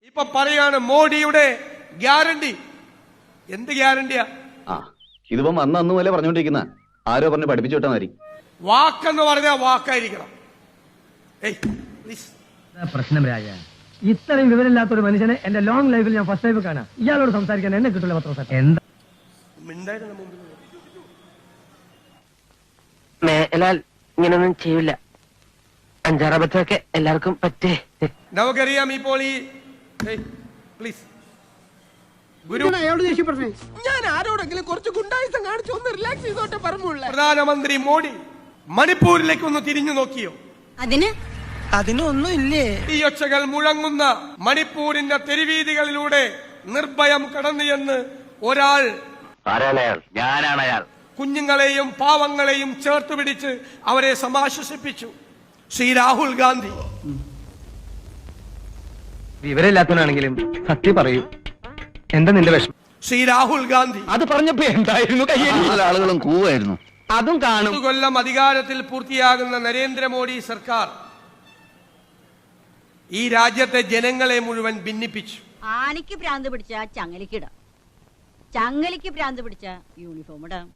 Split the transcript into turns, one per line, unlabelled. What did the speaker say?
ഇപ്പൊ പറയാണ് മോഡിയുടെ ഗ്യാരണ്ടി. എന്ത് ഗ്യാരണ്ടിയാ?
ഇതിപ്പം അന്ന് പോലെ പറഞ്ഞുകൊണ്ടിരിക്കുന്ന ആരോ പറഞ്ഞ് പഠിപ്പിച്ചു വിട്ടാൽ മതി.
വാക്കെന്ന് പറഞ്ഞാൽ വാക്കായിരിക്കണം.
പ്രശ്നം രാജ, ഇത്രയും വിവരമില്ലാത്ത ഒരു മനുഷ്യനെ എന്റെ ലോങ് ലൈഫിൽ ഞാൻ ഫസ്റ്റ് ടൈം കാണാം. ഇയാളോട് സംസാരിക്കാൻ എന്നെ കിട്ടില്ല. എന്താ
മേലാൽ ഇങ്ങനൊന്നും ചെയ്യില്ല. അഞ്ചാറബത്തൊക്കെ എല്ലാവർക്കും പറ്റേ.
നമുക്കറിയാം ഇപ്പോൾ ഈ പ്ലീസ്
ഞാൻ ആരോടെങ്കിലും കുറച്ച് ഗുണ്ടായുസം കാണിച്ചു ഒന്ന് റിലാക്സ് ചെയ്തോട്ടെ പറഞ്ഞുള്ള
പ്രധാനമന്ത്രി മോഡി മണിപ്പൂരിലേക്ക് ഒന്ന് തിരിഞ്ഞു നോക്കിയോ?
അതിനൊന്നും ഇല്ലേ?
ഈ ഒച്ചകൾ മുഴങ്ങുന്ന മണിപ്പൂരിന്റെ തെരുവീതികളിലൂടെ നിർഭയം കടന്നു എന്ന് ഒരാൾ,
ഞാനാണ്
കുഞ്ഞുങ്ങളെയും പാവങ്ങളെയും ചേർത്ത് പിടിച്ച് അവരെ സമാശ്വസിപ്പിച്ചു. ശ്രീ രാഹുൽ ഗാന്ധി.
വിവരമില്ലാത്തവനാണെങ്കിലും സത്യം പറയൂ. എന്താ നിന്റെ വിഷമം?
ശ്രീ രാഹുൽ ഗാന്ധി
അത് പറഞ്ഞപ്പോ എന്തായിരുന്നു?
ആളുകളും കൂവായിരുന്നു.
അതും കാണും.
10 കൊല്ലം അധികാരത്തിൽ പൂർത്തിയാകുന്ന നരേന്ദ്രമോദി സർക്കാർ ഈ രാജ്യത്തെ ജനങ്ങളെ മുഴുവൻ ഭിന്നിപ്പിച്ചു.
ആനയ്ക്ക് ഭ്രാന്ത് പിടിച്ച ചങ്ങലിക്കിടാം, ചങ്ങലിക്ക് ഭ്രാന്ത് പിടിച്ച യൂണിഫോം ഇടാം.